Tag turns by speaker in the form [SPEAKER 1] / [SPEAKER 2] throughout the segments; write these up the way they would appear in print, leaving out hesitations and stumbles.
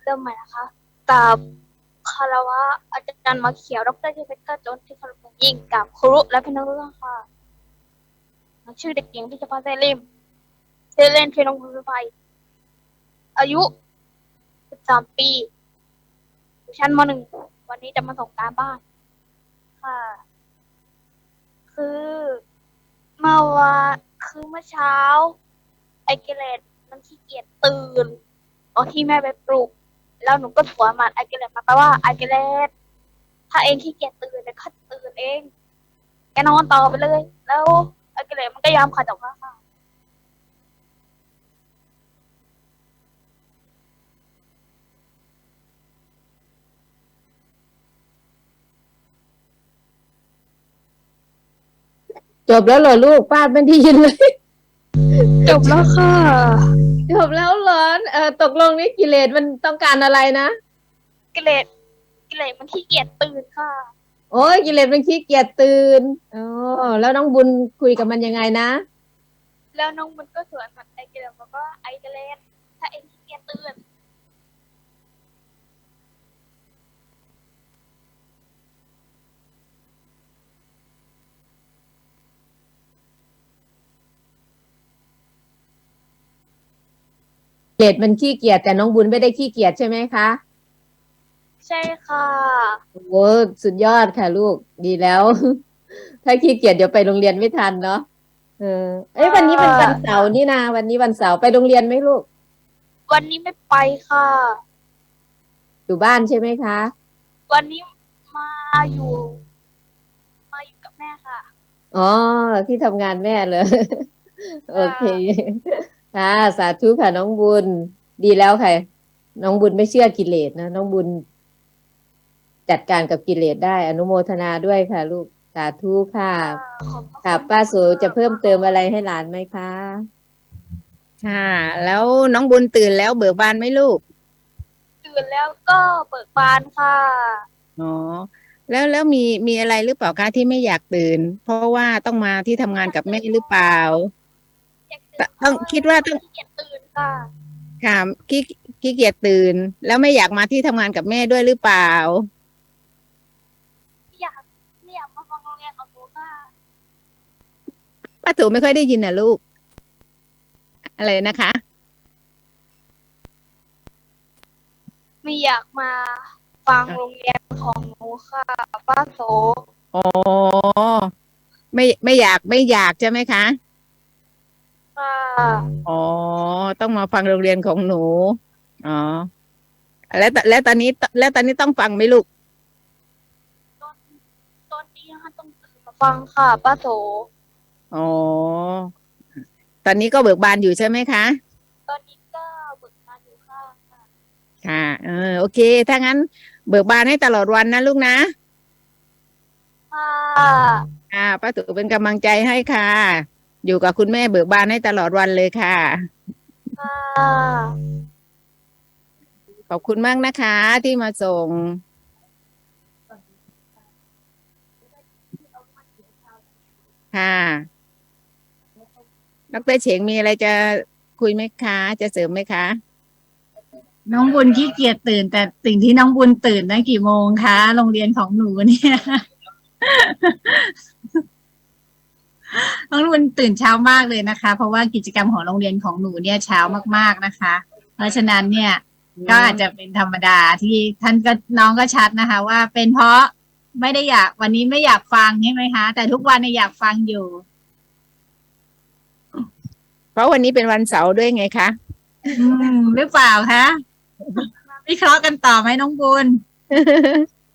[SPEAKER 1] เริ่มใหม่นะคะกับคารวะอาจารย์มาเขียวดรที่เพชรจนที่เคารพอย่างยิ่งกับครูและพี่น้องทุกท่านค่ะชื่อเด็กหญิงที่จะพาเซลิมเซเลนเทนงบุรไฟอายุ13 ปีอยู่ชั้นม .1 วันนี้จะมาส่งการบ้านค่ะคือเมื่อวานคือเมื่อเช้าไอเกเรตมันขี้เกียจตื่นตอนที่แม่ไปปลุกแล้วหนูก็สวนมันไอเกเรตมาแปลว่าไอเกเรตถ้าเองขี้เกียจตื่นเดี๋ยวข้าจะตื่นเองแกนอนต่อไปเลยแล้วไอเกเรตมันก็ยอมขัดออกมาค่ะ
[SPEAKER 2] จบแล้วเหรอลูกป้าไม่ได้ยินเลย
[SPEAKER 1] จบแล้วค่ะ
[SPEAKER 2] จบแล้วเหรอตกลงนี่กิเลสมันต้องการอะไรนะ
[SPEAKER 1] กิเลสมันขี้เกียจตื่นค่ะ
[SPEAKER 2] โอ้ยกิเลสมันขี้เกียจตื่นอ๋อแล้วน้องบุญคุยกับมันยังไงนะ
[SPEAKER 1] แล้วน้องมันก็สวนมันไอเกเรตบอกว่าไอเกเรตถ้าเองขี้เกียจตื่น
[SPEAKER 2] กิเลสมันขี้เกียจแต่น้องบุญไม่ได้ขี้เกียจใช่ไหมคะ
[SPEAKER 1] ใช่ค่ะ
[SPEAKER 2] โอ้สุดยอดค่ะลูกดีแล้ว ถ้าขี้เกียจเดี๋ยวไปโรงเรียนไม่ทันเนาะเออเอ้ยวันนี้เป็นวันเสาร์นี่นะวันนี้วันเสาร์ไปโรงเรียนไหมลูก
[SPEAKER 1] วันนี้ไม่ไปค่ะ
[SPEAKER 2] อยู่บ้านใช่ไหมคะ
[SPEAKER 1] วันนี้มาอยู่มาอยู่กับแม่ค่ะ
[SPEAKER 2] อ๋อที่ทำงานแม่เลย โอเคค่ะสาธุค่ะน้องบุญดีแล้วค่ะน้องบุญไม่เชื่อกิเลสนะน้องบุญจัดการกับกิเลสได้อนุโมทนาด้วยค่ะลูกสาธุค่ะ
[SPEAKER 1] ขอบพระ
[SPEAKER 2] ค่ะ
[SPEAKER 1] คุณ
[SPEAKER 2] ป้าโสจะเพิ่มเติมอะไรให้หลานไหมคะ
[SPEAKER 3] ค่ะแล้วน้องบุญตื่นแล้วเบิกบานไหมลูก
[SPEAKER 1] ตื่นแล้วก็เบิกบานค่ะ
[SPEAKER 3] อ๋อแล้วมีอะไรหรือเปล่าคะที่ไม่อยากตื่นเพราะว่าต้องมาที่ทำงานกับแม่หรือเปล่า
[SPEAKER 1] อยากตื่นเพ
[SPEAKER 3] ต้อง
[SPEAKER 1] ราะว่า
[SPEAKER 3] คิดว่าต้อง
[SPEAKER 1] ขี้เกียจตื่นค่ะ
[SPEAKER 3] ค่ะขี้ขี้เกียจตื่นแล้วไม่อยากมาที่ทำงานกับแม่ด้วยหรือเปล่า
[SPEAKER 1] ไม่อยากไม่อยากมาฟังโรงเรียนของหนูค่ะ
[SPEAKER 3] ป้าตู่ไม่ค่อยได้ยินนะลูกอะไรนะคะ
[SPEAKER 1] ไม่อยากมาฟังโรงเรียนของหนูค่ะป้าโส
[SPEAKER 3] อ๋อไม่อยากใช่ไหมคะ
[SPEAKER 1] ค่ะ
[SPEAKER 3] อ๋อต้องมาฟังโรงเรียนของหนูอ๋อแล้วตอนนี้ต้องฟังไหมลูก
[SPEAKER 1] ตอนตอนนี้นะคะต้องตื่นมาฟังค่ะป้าโส
[SPEAKER 3] อ๋อตอนนี้ก็เบิกบานอยู่ใช่ไหมคะ
[SPEAKER 1] ตอนนี้ก็เบิกบานอยู่ค่ะ
[SPEAKER 3] ค่ะโอเคถ้างั้นเบิกบานให้ตลอดวันนะลูกนะ
[SPEAKER 1] ค่ะ
[SPEAKER 3] ป้าตู่เป็นกำลังใจให้ค่ะอยู่กับคุณแม่เบิกบานให้ตลอดวันเลยค่ะ
[SPEAKER 1] ค่ะ
[SPEAKER 3] ขอบคุณมากนะคะที่มาส่งค่ะดรเฉงมีอะไรจะคุยไหมคะจะเสริมไหมคะ
[SPEAKER 4] น้องบุญขี้เกียจตื่นแต่สิ่งที่น้องบุญตื่นนะกี่โมงคะโรงเรียนของหนูเนี่ย น้องบุญตื่นเช้ามากเลยนะคะเพราะว่ากิจกรรมของโรงเรียนของหนูเนี่ยเช้ามากๆนะคะ เพราะฉะนั้นเนี่ยก็อาจจะเป็นธรรมดาที่ท่านก็น้องก็ชัดนะคะ ว่าเป็นเพราะไม่ได้อยากวันนี้ไม่อยากฟังใช่ไหมคะแต่ทุกวันเนี่ยอยากฟังอยู่
[SPEAKER 3] เพราะวันนี้เป็นวันเสาร์ด้วยไงคะ
[SPEAKER 4] หรือเปล่าคะวิเคราะห์กันต่อไหมน้องบุญ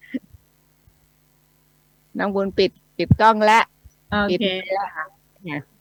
[SPEAKER 3] น้องบุญปิดกล้องแล้ว
[SPEAKER 4] โอ
[SPEAKER 3] ปิด
[SPEAKER 4] เค
[SPEAKER 3] แล้วค่ะ